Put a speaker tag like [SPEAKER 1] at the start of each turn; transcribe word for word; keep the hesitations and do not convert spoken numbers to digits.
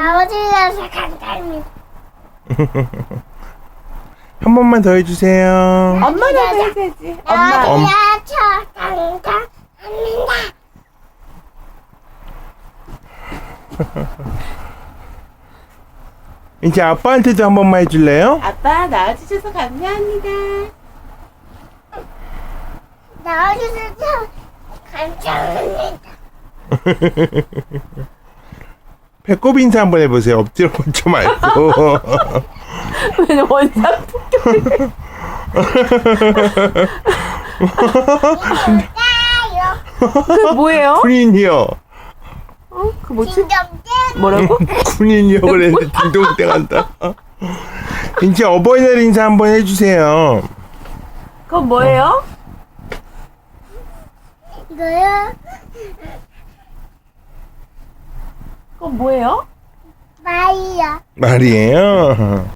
[SPEAKER 1] 아버지라서 간단히.
[SPEAKER 2] 한 번만 더 해주세요.
[SPEAKER 3] 엄마라고 해야지. 엄마.
[SPEAKER 2] 엄-
[SPEAKER 1] 아버지라서 간단합니다.
[SPEAKER 2] 이제 아빠한테도 한 번만 해줄래요?
[SPEAKER 3] 아빠 낳아주셔서 감사합니다.
[SPEAKER 1] 나와주셔서 감사합니다.
[SPEAKER 2] 배꼽 인사 한번 해보세요. 엎드려 뻗쳐 말고.
[SPEAKER 3] 왜 원상 폭격?
[SPEAKER 1] 뭘까요?
[SPEAKER 3] 그 뭐예요?
[SPEAKER 2] 군인이요.
[SPEAKER 3] 어? 그 뭐지?
[SPEAKER 1] 진정된
[SPEAKER 3] 뭐라고?
[SPEAKER 2] 군인이요 그랬는데 딩동댕 한다. 이제 어버이날 인사 한번 해주세요.
[SPEAKER 3] 그건 뭐예요?
[SPEAKER 1] 이거요?
[SPEAKER 3] 그건 뭐예요?
[SPEAKER 1] 마이요.
[SPEAKER 2] 말이에요.